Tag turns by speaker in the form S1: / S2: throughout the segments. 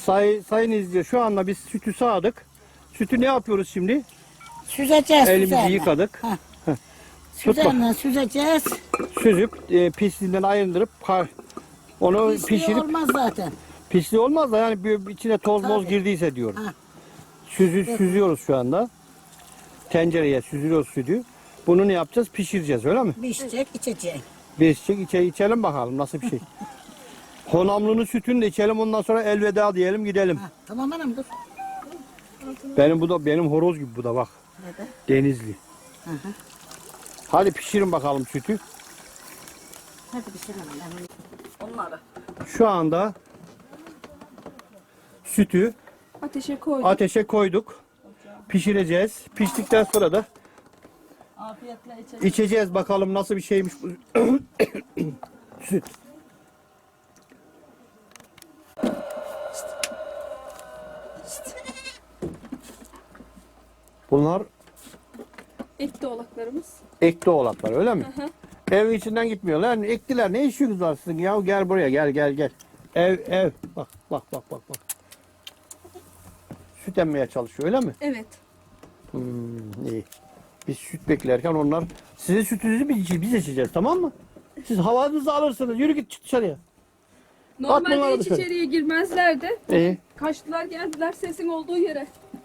S1: Sayın izleyiciler, şu anda biz sütü sağdık. Sütü ne yapıyoruz şimdi?
S2: Süzeceğiz.
S1: Elimizi
S2: üzerine.
S1: yıkadık.
S2: Heh.
S1: Tut bak.
S2: Üzerine süzeceğiz.
S1: Süzüp pisliğinden ayırındırıp onu
S2: Pisliği
S1: pişirip
S2: olmaz zaten.
S1: pisliği olmaz da yani içine toz moz
S2: Tabii.
S1: girdiyse diyorum.
S2: Ha.
S1: Süzüyoruz şu anda. Tencereye süzüyoruz sütü. Bunu ne yapacağız? Pişireceğiz, öyle mi?
S2: Pişecek, içecek.
S1: İçelim bakalım nasıl bir şey. Honamlı'nın sütünü de içelim, ondan sonra elveda diyelim, gidelim.
S2: Ha, tamam anam dur.
S1: Benim horoz gibi bu da bak.
S2: Neden?
S1: Denizli.
S2: Hı hı.
S1: Hadi pişirin bakalım sütü.
S2: Hadi pişirelim. Onları.
S1: Şu anda sütü ateşe koyduk. Pişireceğiz. Piştikten sonra da
S2: Afiyetle içelim.
S1: içeceğiz bakalım nasıl bir şeymiş bu süt. Bunlar
S3: Ekti oğlaklarımız.
S1: ekti oğlaklar, öyle mi?
S3: Hı hı.
S1: Evin içinden gitmiyorlar. Ektiler. Ne işiniz var sizin ya? Gel buraya, gel. Ev. Bak. Süt emmeye çalışıyor, öyle mi?
S3: Evet.
S1: İyi. Biz süt beklerken onlar sizin sütünüzü biz içeceğiz, tamam mı? Siz havanızı alırsınız. Yürü git, çık dışarıya.
S3: Normalde
S1: bunları
S3: hiç
S1: dışarı.
S3: içeriye girmezlerdi.
S1: İyi.
S3: Kaçtılar geldiler sesin olduğu yere.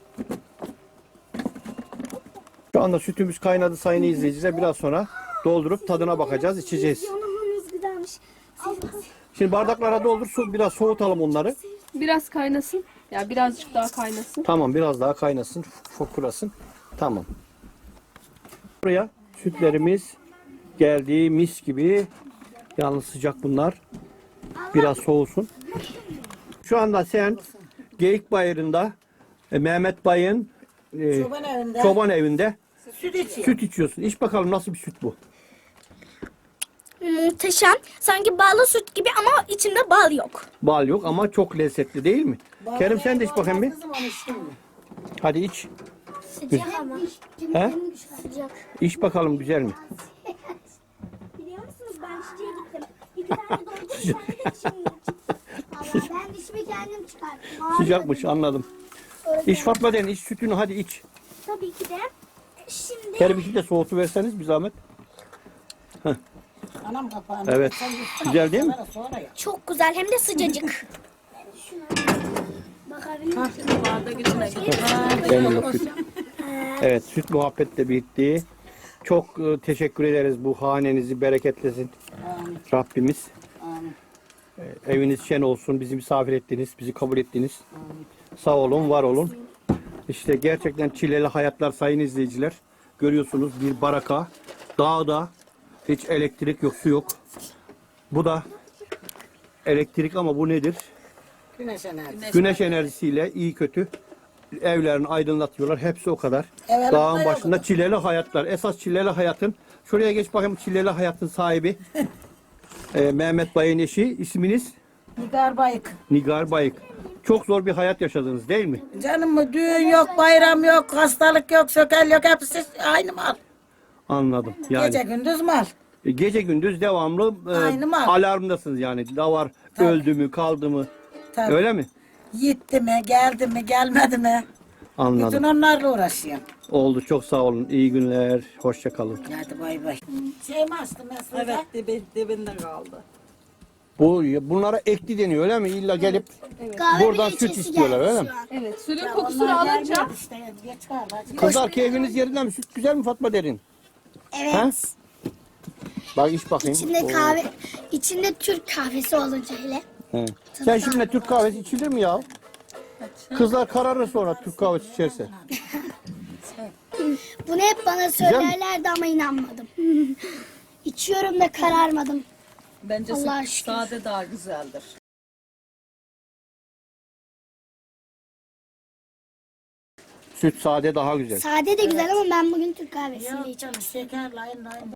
S1: Şu anda sütümüz kaynadı sayın izleyiciler. Biraz sonra doldurup tadına bakacağız, içeceğiz.
S4: Yanımız güzelmiş.
S1: Şimdi bardaklara doldur, biraz soğutalım onları.
S3: Biraz kaynasın. Ya birazcık daha kaynasın.
S1: Tamam, biraz daha kaynasın, fokurasın. Tamam. Buraya sütlerimiz geldi, mis gibi. Yalnız sıcak bunlar. Biraz soğusun. Şu anda sen Geyik Bayırı'nda Mehmet Bay'ın çoban evinde
S2: Süt içiyor.
S1: süt içiyorsun. İç bakalım nasıl bir süt bu?
S4: Muhteşem. Sanki ballı süt gibi ama içinde bal yok.
S1: Bal yok ama çok lezzetli, değil mi? Kerim sen de iç bakayım bir.
S2: Kızım onu içtin mi?
S1: Hadi iç.
S4: Sıcak ama.
S1: He?
S4: Sıcak.
S1: İç bakalım, güzel mi?
S4: Biliyor musunuz ben çiçeğe gittim. İki tane doldum. Bir tane de dişimi yaptım. Valla ben dişimi kendim çıkarttım.
S1: Sıcakmış, anladım. İç Fatma den, iç sütünü, hadi iç.
S4: Tabii ki de. Şimdi
S1: Kerim iki de soğutu verseniz bir zahmet.
S2: Anam kapağını.
S1: Evet.
S2: Sen yutsun
S1: Güzel
S2: ama
S1: değil mi?
S2: sonra ya.
S4: çok güzel hem de sıcacık. Bakabilir misin?
S1: Benim o süt. Evet, süt muhabbet de bitti. Çok teşekkür ederiz, bu hanenizi bereketlesin
S2: Amin.
S1: Rabbimiz.
S2: Amin.
S1: Eviniz şen olsun, bizi misafir ettiniz, bizi kabul ettiniz. Sağ olun, var olun. İşte gerçekten çileli hayatlar sayın izleyiciler. Görüyorsunuz bir baraka, dağda hiç elektrik yok, su yok. Bu da elektrik ama bu nedir?
S2: Güneş enerjisi.
S1: Güneş enerjisiyle iyi kötü evlerini aydınlatıyorlar. Hepsi o kadar.
S2: Evet,
S1: Dağın
S2: evet.
S1: başında çileli hayatlar. Esas çileli hayatın. Şuraya geç bakayım, çileli hayatın sahibi. Mehmet Bay'ın eşi. İsminiz?
S2: Nigar Bayık.
S1: Nigar Bayık. Çok zor bir hayat yaşadınız, değil mi?
S2: Canım mı düğün yok, bayram yok, hastalık yok, sökel yok, hepsi aynı mal.
S1: Anladım. Yani
S2: Gece gündüz mal.
S1: gece gündüz devamlı
S2: Aynı mal.
S1: alarmdasınız yani. Da var,
S2: Tabii.
S1: öldü mü, kaldı mı?
S2: Tabii.
S1: Öyle mi?
S2: Gitti mi, geldi mi, gelmedi mi? Bütün
S1: Anladım.
S2: onlarla uğraşıyorum.
S1: Oldu. Çok sağ olun. İyi günler. Hoşça kalın.
S2: Hadi bay bay. Şey mi açtın mesela?
S5: Evet, dibinde kaldı.
S1: Bunlara ekli deniyor, öyle mi? İlla gelip
S4: Kahve
S1: buradan
S4: bile
S1: süt
S4: içesi
S1: istiyorlar,
S4: geldi
S1: öyle
S4: şu
S1: mi?
S4: an.
S3: Evet. Suyun
S2: Ya
S3: kokusunu
S2: onlar
S3: alınca
S2: gelmedi işte. Geç kaldı.
S1: Kızlar keyfiniz yerinden mi? Süt güzel mi Fatma Derin?
S4: Evet.
S1: He? Bak iç bakayım.
S4: İçinde
S1: Oo.
S4: kahve, içinde Türk kahvesi olunca hele.
S1: He. Sen şimdi Türk kahvesi içilir mi ya? Kızlar kararır sonra Türk kahvesi içerse.
S4: Bunu hep bana söylerlerdi ama inanmadım. İçiyorum da kararmadım.
S5: Bence
S4: Allah'a şükür.
S5: sade daha güzeldir.
S1: Süt sade daha güzel.
S4: Sade de güzel ama ben bugün Türk kahvesiyle içiyorum.
S2: Şeker, layın layın.